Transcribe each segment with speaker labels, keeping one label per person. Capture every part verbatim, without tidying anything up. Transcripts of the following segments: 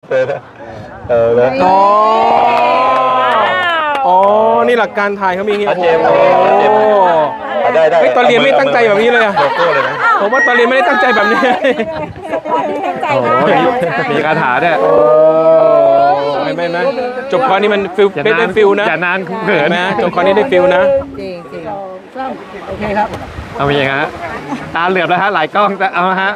Speaker 1: เออเออเลย
Speaker 2: อ๋ออ๋อนี่หลักการถ่ายเขามีอย่างงี้
Speaker 1: เจมส์โอ้เจมส์ได้ได้
Speaker 2: เฮ้ยตอนเรียนไม่ตั้งใจแบบนี้เลยอะ
Speaker 1: โลโก้เลยนะ
Speaker 2: ผมว่าตอนเรียนไม่ได้ตั้งใจแบบนี้
Speaker 3: ตั้งใจ
Speaker 4: โอ้โห
Speaker 3: มาก
Speaker 4: มีคาถาด้วย
Speaker 2: ไม่ไม่ไม่จบคอร์สนี้มันฟิล
Speaker 4: อย่า
Speaker 2: ได้
Speaker 4: นา
Speaker 2: ได้
Speaker 4: น
Speaker 2: ฟิลนะ
Speaker 4: อย่านานเขิ
Speaker 2: เห็
Speaker 4: น
Speaker 2: นไหมจบคอร์สนี้ได้ฟิลนะ
Speaker 3: จริงจริง
Speaker 4: เอาไปยังฮะตาเหลือบแล้วฮะหลายกล้องแต่เอาฮะ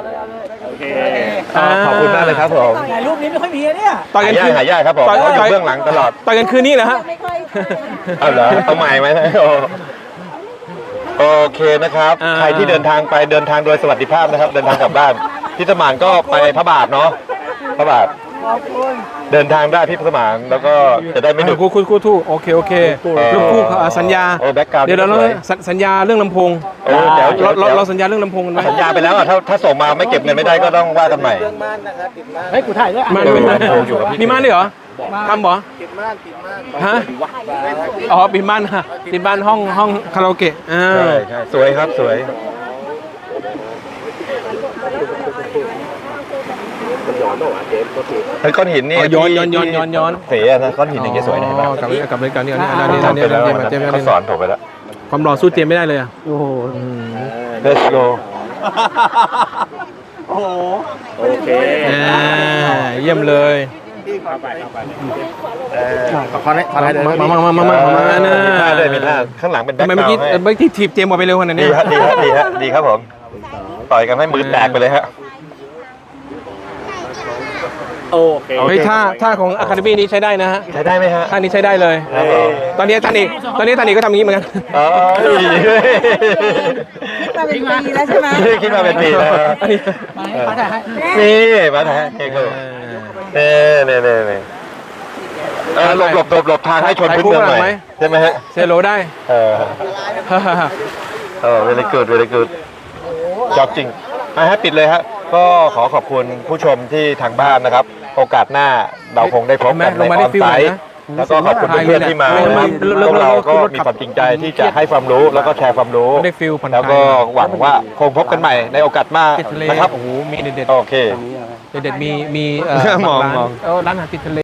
Speaker 2: อ่า
Speaker 1: ขอบคุณมากเลยครับผม
Speaker 5: ถ่ายรูปนี้ไม่ค่อยมีอะเนี่ย
Speaker 2: ต่อยกั
Speaker 1: หาน ยา
Speaker 2: คื
Speaker 1: ก
Speaker 2: น
Speaker 1: หายากครับผม
Speaker 2: ต่อย
Speaker 1: เขาอยู่
Speaker 2: ต่อย
Speaker 1: เบื้องหลังตลอด
Speaker 2: ต่อยกันคืนนี้เหรอฮะ
Speaker 3: ไม่ค่อย
Speaker 1: เอาเหรอเอาใหม่ไหมโอ้โอเคนะครับ
Speaker 2: อ่า
Speaker 1: ใครที่เดินทางไปเดินทางโดยสวัสดิภาพนะครับ เดินทางกลับบ้านพี่สมานก็ไปพระบาทเนาะพระบาทเดินทางได้พี่สมานแล้วก็จะได้ไม่หนุก
Speaker 2: คู่คู่คู่ทู่โอเคโอเคลูกคู่อ่าสัญญา
Speaker 1: โอ้แบ็คกราวด์
Speaker 2: เดี๋ยวเรา
Speaker 1: สวย
Speaker 2: สัญสัญญาเรื่องลำโพง
Speaker 1: เออเดี๋ยวเดี๋ยว
Speaker 2: เราเรา
Speaker 1: เดี๋ยว
Speaker 2: เราสัญญาเรื่องลำโพงกันไหม
Speaker 1: สัญญาไปแล้วอ่ะถ้าถ้าส่งมาไม่เก็บเงินไม่ได้ก็ต้องว่ากันใหม่
Speaker 5: เฮ้ย กูถ่ายด้วย
Speaker 2: มัน
Speaker 1: เออ
Speaker 2: เป็น
Speaker 1: ลำโพงอยู่กับพี่
Speaker 2: มีม่านด้วยเหรอทำเหรอฮะอ๋อปิดม่านฮะปิดม่านห้องห้องคาราโอเกะอ่า
Speaker 1: ใช่ใช่สวยครับสวยไอ้ก้อนหินนี่
Speaker 2: อ๋อย้อนย้อนย้อนย้อนย้อน
Speaker 1: เสียนะก้อนหินอย่างเงี้ยสวยนะเห็นปะ
Speaker 2: อ๋อกลับไปกลับไปกลับไปอันนี้อันนี้
Speaker 1: ทำ
Speaker 2: อันนี้
Speaker 1: ไปแล้ว
Speaker 2: อันนี้เจมส์
Speaker 1: เขาสอนผมไปแล้ว
Speaker 2: ความหล่อสู้เจมส์ไม่ได้เลยอ่ะ
Speaker 5: โอ้โห
Speaker 1: Let's go
Speaker 5: โอ้โห
Speaker 2: อ่าเยี่ยมเลย
Speaker 5: ขอได้ขอได้
Speaker 2: มามามามามามามานะ
Speaker 1: มีท่าด้วยมีท่าข้างหลังเป็นแบ็
Speaker 2: ทำ
Speaker 1: ค
Speaker 2: ไม
Speaker 1: ก
Speaker 2: เมื่อ
Speaker 1: ราว
Speaker 2: กี้
Speaker 1: ด์ให้
Speaker 2: เมื่อกี้ถีบเจมส์ออกไปเร็วขนาด
Speaker 1: ดี
Speaker 2: นี้
Speaker 1: ฮะดีฮะดีฮะดีครับผมต่อยกันให้มือแตกไปเลยฮะ
Speaker 5: โอเค
Speaker 2: เฮ้ยท่าท่าของอะคาเดมี่นี้ใช้ได้นะฮะ
Speaker 1: ใช้ได้ไหมฮะ
Speaker 2: ท่านี้ใช้ได้เลย
Speaker 1: ครับผม
Speaker 2: ตอนนี้ท่านอีกตอนนี้ท่านอีกก็ทำอย่างนี้เหมือนกัน
Speaker 1: อ๋อ
Speaker 3: มาเป็นปีแล้วใช่ไหม
Speaker 1: คิดมาเป็นปีแล้ว
Speaker 2: อันนี้
Speaker 5: มาถ่ายให้
Speaker 1: นี่มาถ่ายให้เก่งเน่เน่เน่เน่เออหลบหลบหลบหลบทางให้ชนพื้นเมืองหน่อยใช่ไหมฮะ
Speaker 2: เซโลได้
Speaker 1: เออเออ very good very good จอบจริงมาฮะปิดเลยฮะก็ขอขอบคุณผู้ชมที่ทางบ้านนะครับ โอกาสหน้าเราคงได้พบกันในออนไซต์แล้วก็ขอบคุณเพื่อนๆที่มานะครับพวกเราก็มีความจริงใจที่จะให้ความรู้แล้วก็แชร์ความรู้
Speaker 2: ได้ฟิลผ่อนค
Speaker 1: แล้ว
Speaker 2: ลาย
Speaker 1: ก็หวังว่าคงพบกันใหม่ในโอกาสหน้า
Speaker 2: ติดทะเล
Speaker 1: นะครับ
Speaker 2: โอ้โหมีเด็ด
Speaker 1: โอเค
Speaker 2: ๆเด็ดๆมีมีเอ่อ
Speaker 1: มอง
Speaker 2: ร้าน
Speaker 1: มอง
Speaker 2: เออร้านอาหารติดทะเล